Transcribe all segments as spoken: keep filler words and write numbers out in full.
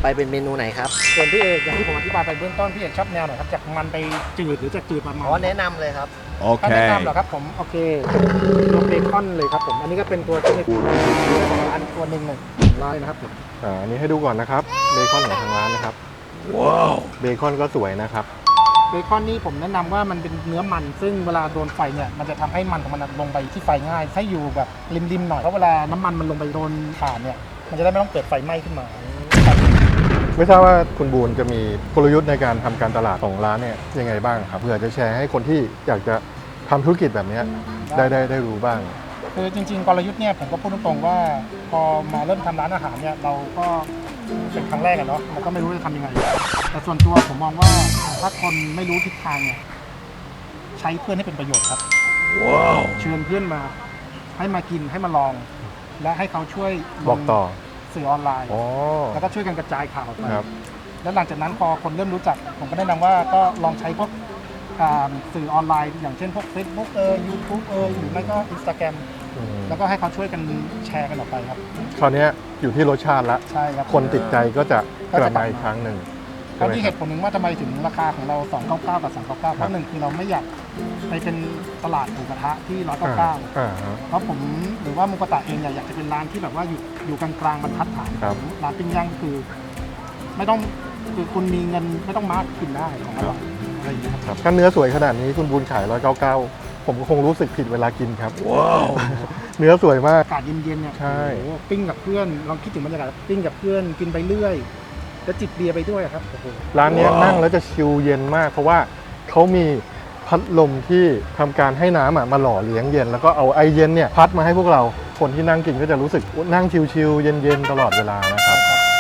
ไปเป็นเมนูไหนครับส่วนพี่เอกอย่างที่ผมอธิบายไปเบื้องต้นพี่เอกชอบแนวไหนครับจากมันไปจืดหรือจากจืดมามันอ๋อแนะนำเลยครับโอเคแนะนำเหรอครับผมโอเคตัวเบคอนเลยครับผมอันนี้ก็เป็นตัวที่ของร้านตัวหนึ่งเลยร้านนะครับผมอ่าอันนี้ให้ดูก่อนนะครับเบคอนของทางร้านนะครับว้าวเบคอนก็สวยนะครับเบคอนนี่ผมแนะนำว่ามันเป็นเนื้อมันซึ่งเวลาโดนไฟเนี่ยมันจะทำให้มันของมันลงไปที่ไฟง่ายให้อยู่แบบริมๆหน่อยเพราะเวลาน้ำมันมันลงไปโดนถ่านเนี่ยมันจะได้ไม่ต้องเกิดไฟไหม้ขึ้นมาไม่ทราบว่าคุณบูนจะมีกลยุทธ์ในการทำการตลาดของร้านเนี่ยยังไงบ้างครับเพื่อจะแชร์ให้คนที่อยากจะทำธุรกิจแบบนี้ได้ได้ได้รู้บ้างคือจริงๆกลยุทธ์เนี่ยผมก็พูดตรงๆว่าพอมาเริ่มทำร้านอาหารเนี่ยเราก็เป็นครั้งแรกกันเนาะเราก็ไม่รู้จะทำยังไงแต่ส่วนตัวผมมองว่าถ้าคนไม่รู้ทิศทางเนี่ยใช้เพื่อนให้เป็นประโยชน์ครับว้าวเชิญเพื่อนมาให้มากินให้มาลองและให้เขาช่วยบอกต่อสื่อออนไลน์แล้วก็ช่วยกันกระจายข่าวไปแล้วหลังจากนั้นพอคนเริ่มรู้จักผมก็แนะนำว่าก็ลองใช้พวกสื่อออนไลน์อย่างเช่นพวก Facebook เออ YouTube เออหรือไม่ก็ Instagram แล้วก็ให้เขาช่วยกันแชร์กันออกไปครับคราวนี้อยู่ที่รสชาติละใช่ครับคนติดใจก็จะกลับมาอีกครั้งหนึ่งเพราะที่เหตุผลหนึ่งว่าทำไมถึงราคาของเราสองร้อยเก้าสิบเก้ากับสามร้อยเก้าสิบเก้าเพราะหนึ่งคือเราไม่อยากไปเป็นตลาดหมูกระทะที่หนึ่งร้อยเก้าสิบเก้าเพราะผมหรือว่ามุกตะเองเนี่ยอยากจะเป็นร้านที่แบบว่าอยู่อยู่กลางๆบรรทัดฐานร้านปิ้งย่างคือไม่ต้องคือคุณมีเงินไม่ต้องมาร์กกินได้ของอร่อยอะไรอย่างเงี้ยครับถ้าเนื้อสวยขนาดนี้คุณบูนขายหนึ่งร้อยเก้าสิบเก้าผมก็คงรู้สึกผิดเวลากินครับว้าวเนื้อสวยมากอากาศเย็นๆเนี่ยใช่ปิ้งกับเพื่อนลองคิดถึงบรรยากาศปิ้งกับเพื่อนกินไปเรื่อยแล้วจิบเบียร์ไปด้วยครับร้านนี้นั่งแล้วจะชิลเย็นมากเพราะว่าเขามีพัดลมที่ทำการให้น้ำมาหล่อเลี้ยงเย็นแล้วก็เอาไอเย็นเนี่ยพัดมาให้พวกเราคนที่นั่งกินก็จะรู้สึกนั่งชิลๆเย็นๆตลอดเวลานะครับ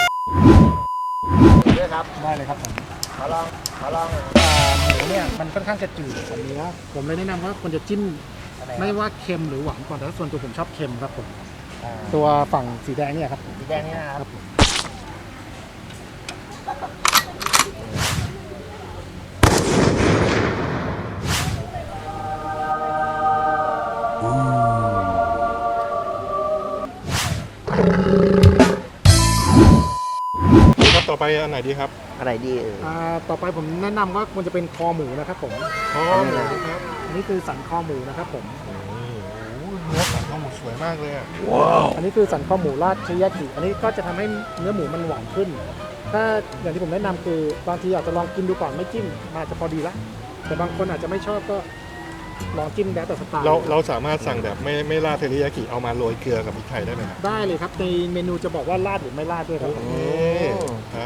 ด้วยครับได้เลยครับผมขอลองขอลองหมูเนี่ยมันค่อนข้างจะจืดกว่าเนื้อผมเลยแนะนำว่าควรจะจิ้มไม่ว่าเค็มหรือหวานก่อนแต่ส่วนตัวผมชอบเค็มครับผมตัวฝั่งสีแดงเนี่ยครับสีแดงนี่นะครับครับต่อไปอันไหนดีครับอันไหนดีเออต่อไปผมแนะนำว่าควรจะเป็นคอหมูนะครับผมคอหมูครับอันนี้คือสันคอหมูนะครับผมเนื้อสันคอหมูสวยมากเลยอ่ะว้าวอันนี้คือสันคอหมูราดเชยากิอันนี้ก็จะทำให้เนื้อหมูมันหวานขึ้นถ้าอย่างที่ผมแนะนำคือบางทีอาจจะลองกินดูก่อนไม่จิ้มอาจจะพอดีละแต่บางคนอาจจะไม่ชอบก็ลองจิ้มแล้วแต่สไตล์เราเราสามารถสั่งแบบไม่ไม่ราดเทริยากิเอามาโรยเกลือกับพริกไทยได้ไหมครับได้เลยครับในเมนูจะบอกว่าราดหรือไม่ราดด้วยครับครับ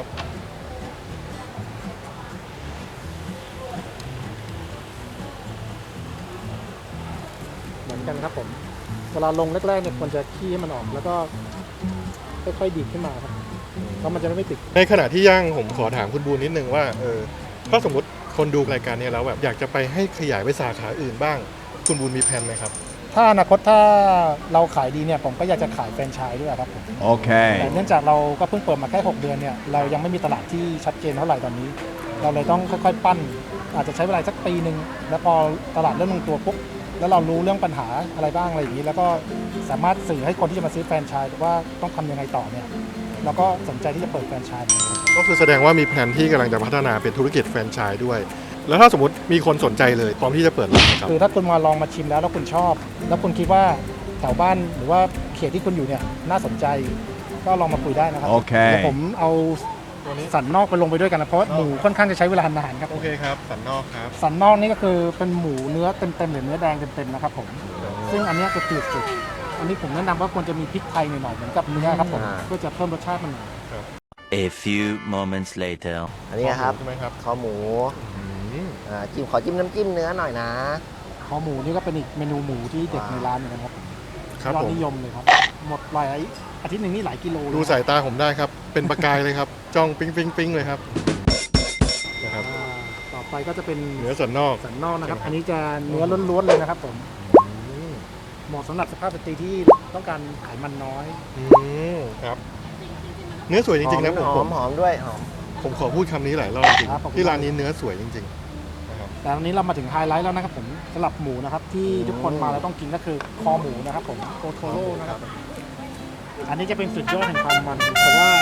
เหมือนกันครับผมเวลาลงแรกๆเนี่ยควรจะขี้ให้มันออกแล้วก็ค่อยๆดีดขึ้นมาครับเพราะมันจะไม่ติดในขณะที่ย่างผมขอถามคุณบูนนิดนึงว่าเออถ้าสมมติคนดูรายการนี้แล้วแบบอยากจะไปให้ขยายไปสาขาอื่นบ้างคุณบูนมีแผนไหมครับถ้าอนาคตถ้าเราขายดีเนี่ยผมก็อยากจะขายแฟรนไชส์ด้วยครับผมโอเคแต่เนื่องจากเราก็เพิ่งเปิดมาแค่หกเดือนเนี่ยเรายังไม่มีตลาดที่ชัดเจนเท่าไหร่ตอนนี้เราเลยต้องค่อยๆปั้นอาจจะใช้เวลาสักปีนึงแล้วพอตลาดเริ่มลงตัวปุ๊บแล้วเรารู้เรื่องปัญหาอะไรบ้างอะไรอย่างนี้แล้วก็สามารถสื่อให้คนที่จะมาซื้อแฟรนไชส์ว่าต้องทำยังไงต่อเนี่ยเราก็สนใจที่จะเปิดแฟรนไชส์ก็คือแสดงว่ามีแผนที่กำลังจะพัฒนาเป็นธุรกิจแฟรนไชส์ด้วยแล้วถ้าสมมติมีคนสนใจเลยพร้อมที่จะเปิดร้านครับคือถ้าคุณมาลองมาชิมแล้วแล้วคุณชอบแล้วคุณคิดว่าแถวบ้านหรือว่าเขตที่คุณอยู่เนี่ยน่าสนใจก็ลองมาคุยได้นะครับโอเคเดี๋ยวผมเอาสันนอกไปลงไปด้วยกันนะเพราะหมูค่อนข้างจะใช้เวลานานครับโอเคครับสันนอกครับสันนอกนี่ก็คือเป็นหมูเนื้อเต็มๆหรือเนื้อแดงเต็มๆนะครับผมซึ่งอันนี้จะจืดสุดอันนี้ผมแนะนำว่าควรจะมีพริกไทยหน่อยๆเหมือนกับเนื้อครับผมเพื่อจะเพิ่มรสชาติมัน A few moments later อันนี้ครับใช่ไหมครับคอหมูจิ้มขอจิ้มน้ำจิ้มเนื้อหน่อยนะคอหมูนี่ก็เป็นอีกเมนูหมูที่เด็กในร้านเหมือนกันครับยอดนิยมเลยครับหมดหลายอาทิตย์หนึ่งนี่หลายกิโลดูสายตาผมได้ครับเป็นประกายเลยครับจ้องปิ๊งปิ๊งปิ๊งเลยครับนะครับต่อไปก็จะเป็นเนื้อสันนอกสันนอกนะครับอันนี้จะเนื้อล้วนๆเลยนะครับผมเหมาะสำหรับสภาพสตรีที่ต้องการไขมันน้อยครับเนื้อสวยจริงๆนะผมหอมหอมด้วยหอมผมขอพูดคำนี้หลายรอบจริงที่ร้านนี้เนื้อสวยจริงๆนะครับแต่วันนี้เรามาถึงไฮไลท์แล้วนะครับผมสำหรับหมูนะครับที่ทุกคนมาแล้วต้องกินก็คือคอหมูนะครับผมโอโทโร่นะครับอันนี้จะเป็นสุดยอดแห่งความมันแต่ว่า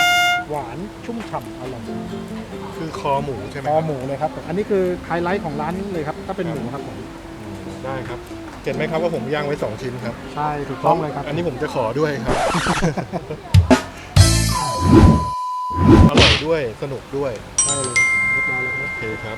หวานชุ่มฉ่ำอร่อยคือคอหมูใช่ไหมคอหมูเลยครับผมอันนี้คือไฮไลท์ของร้านเลยครับถ้าเป็นหมูครับผมอืมได้ครับเห็นไหมครับว่าผมย่างไว้สองชิ้นครับใช่ถูกต้องเลยครับอันนี้ผมจะขอด้วยครับ อร่อยด้วยสนุกด้วยใช่เลยเรียบร้อยแล้วครับโอเคครับ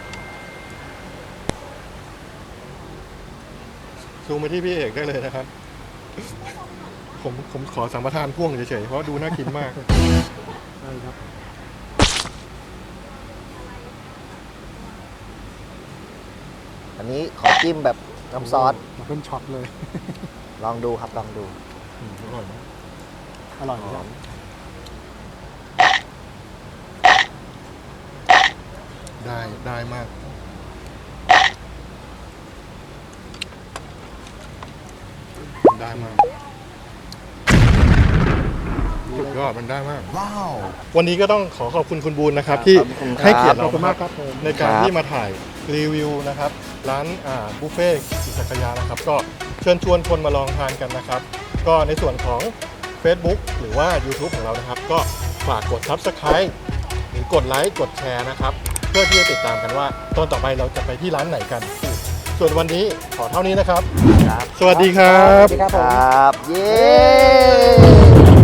ซูมไปที่พี่เอกได้เลยนะครับ ผมผมขอสัมปทานพ่วงเฉยๆเพราะดูน่ากินมากใช่ครับอันนี้ขอจิ้มแบบน้ำซอสมาเป็นช็อตเลยลองดูครับลองดูอืมอร่อยนะอร่อยครับได้ได้มากได้มากสุดยอดมันได้มากว้าววันนี้ก็ต้องขอขอบคุณคุณบูลนะครับ ที่ให้เกียรติขอบเราคุณมากครับผมในการครับที่มาถ่ายรีวิวนะครับ ร้านอ่าบุฟเฟ่กิสักยานะครับ ก็เชิญชวนคนมาลองทานกันนะครับ ก็ในส่วนของ Facebook หรือว่า YouTube ของเรานะครับ ก็ฝากกด Subscribe หรือกดไลค์กดแชร์นะครับ เพื่อที่จะติดตามกันว่าตอนต่อไปเราจะไปที่ร้านไหนกัน ส่วนวันนี้ขอเท่านี้นะครับครับสวัสดีครับสวัสดีครับคผมรับ เย้